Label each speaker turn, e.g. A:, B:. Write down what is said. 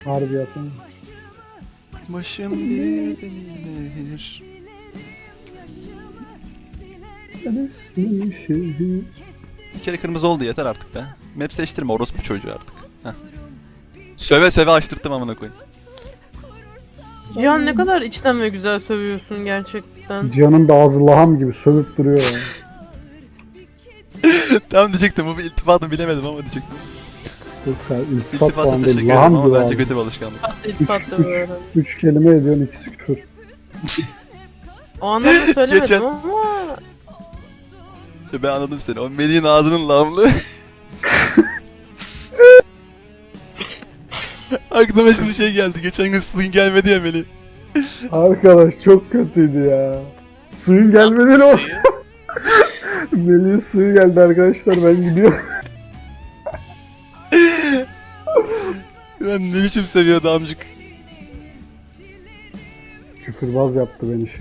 A: Harbi yapın.
B: Başım bir denilir. Bir kere kırmızı oldu yeter artık be. Map seçtirme orospu çocuğu artık. Heh. Söve söve açtırttım amına koyayım.
C: Cihan ne kadar içten ve güzel sövüyorsun gerçekten.
A: Cihan'ın da ağzı laham gibi sövüp duruyor ya.
B: Tamam diyecektim bu bir iltifatını bilemedim ama diyecektim.
A: Yok ya, iltifat
B: İltifasa
A: falan
B: teşekkür
A: değil.
B: ederim
A: Laham
B: ama
A: gibi
B: bence
A: abi.
B: kötü bir alışkanlık.
C: Tatlı iltifatlı böyle.
A: 3 kelime ediyorsun, ikisi küfür.
C: O anlamda söylemedim
B: Geçen-
C: ama
B: Ya ben anladım seni. O Melih'in ağzının lamlı. Aklıma şimdi şey geldi. Geçen gün suyun gelmedi ya Melih.
A: Arkadaş çok kötüydü ya. Suyun gelmedi o.
D: Suyu.
A: Melih'in suyu geldi arkadaşlar, ben gidiyorum.
B: Lan ne biçim seviyordu amcık.
A: Küfürbaz yaptı beni şey.